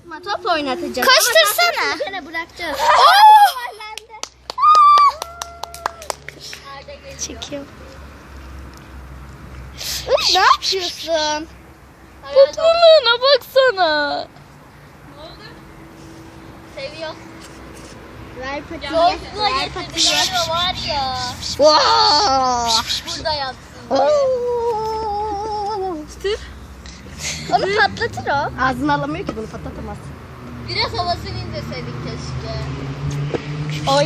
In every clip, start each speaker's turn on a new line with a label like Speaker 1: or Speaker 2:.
Speaker 1: Atma, top oynatacağız.
Speaker 2: Koştursana.
Speaker 1: Seni bırakacağız.
Speaker 2: Çekiyorum.
Speaker 1: Ne yapıyorsun?
Speaker 2: Tatlılığına baksana.
Speaker 3: Ne oldu? Seviyor.
Speaker 1: Ver patiyi.
Speaker 3: Yolculuğa getirdi var ya. Burada yatsın.
Speaker 1: Onu patlatır o. Ağzını alamıyor ki, bunu patlatamaz.
Speaker 3: Biraz havasını indirseydin keşke.
Speaker 1: Oy.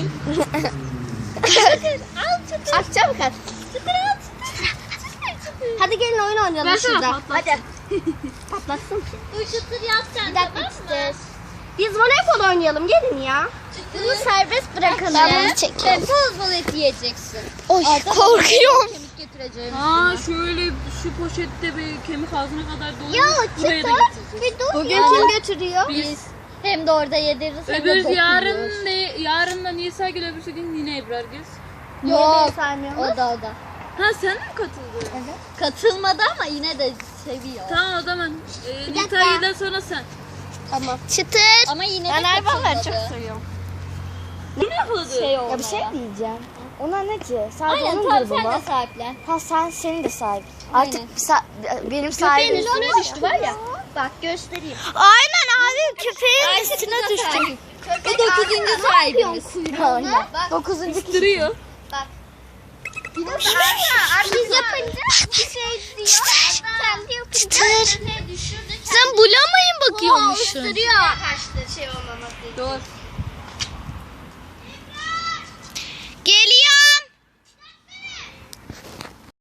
Speaker 3: Al çıtır.
Speaker 1: Aç çabuk aç.
Speaker 3: Çıtır al çıtır.
Speaker 1: Hadi gelin oyun oynayalım
Speaker 3: Versene,
Speaker 1: şurada.
Speaker 3: patlatsın.
Speaker 1: Hadi. Patlatsın ki.
Speaker 3: Bu çıtır yapacaksın.
Speaker 1: Bir dakika çıtır. Biz voleybol oynayalım, gelin ya.
Speaker 3: Bunu
Speaker 1: Serbest bırakalım.
Speaker 2: Ben bunu çekiyorum.
Speaker 3: Bol bol et yiyeceksin.
Speaker 2: Oy korkuyorum.
Speaker 3: Kemik getireceğim.
Speaker 4: Aa şöyle şu poşette bir kemik ağzına kadar dolu.
Speaker 1: Ya
Speaker 4: Buraya da
Speaker 1: çıtır.
Speaker 4: getireceğiz.
Speaker 1: Bir dur. Bugün kim götürüyor?
Speaker 3: Biz hem de orada yediririz hem de
Speaker 4: Öbür
Speaker 3: dokunuyoruz.
Speaker 4: yarın da Nisa Gül, öbürsü gün yine Ebrar Göz.
Speaker 3: Yok.
Speaker 1: Saymıyor
Speaker 3: O da.
Speaker 4: Ha sen mi katıldın?
Speaker 3: Katılmadı ama yine de seviyor.
Speaker 4: Tamam o zaman
Speaker 1: dakika.
Speaker 4: Nisa'dan sonra sen.
Speaker 1: Tamam.
Speaker 2: Çıtır.
Speaker 3: Ama yine
Speaker 1: Ben
Speaker 3: de
Speaker 1: hayvanları
Speaker 3: katılmadı.
Speaker 1: çok seviyorum.
Speaker 4: Ne yapıldı?
Speaker 1: Ya bir şey diyeceğim. Ona ne ki? Sadece
Speaker 3: Aynen
Speaker 1: onun
Speaker 3: tamam
Speaker 1: grubu
Speaker 3: sen
Speaker 1: mu?
Speaker 3: de sahiplen.
Speaker 1: Ha senin de sahip.
Speaker 3: Aynen.
Speaker 1: Benim sahibim.
Speaker 3: Köpeğin üstüne düştü var ya. Bak göstereyim.
Speaker 2: Aynen abi köpeğin üstüne düştü.
Speaker 3: Bu 9. sahibimiz.
Speaker 1: Aynen.
Speaker 3: Bak
Speaker 1: 9. kişi.
Speaker 4: Duruyor.
Speaker 1: Biz yapınca bir şey diyor. Kendi yapınca
Speaker 2: Çıtır. Sen bulamayın bakıyormuşsun.
Speaker 1: ısırıyor. Kaçtı şey olmaması için.
Speaker 4: Doğru.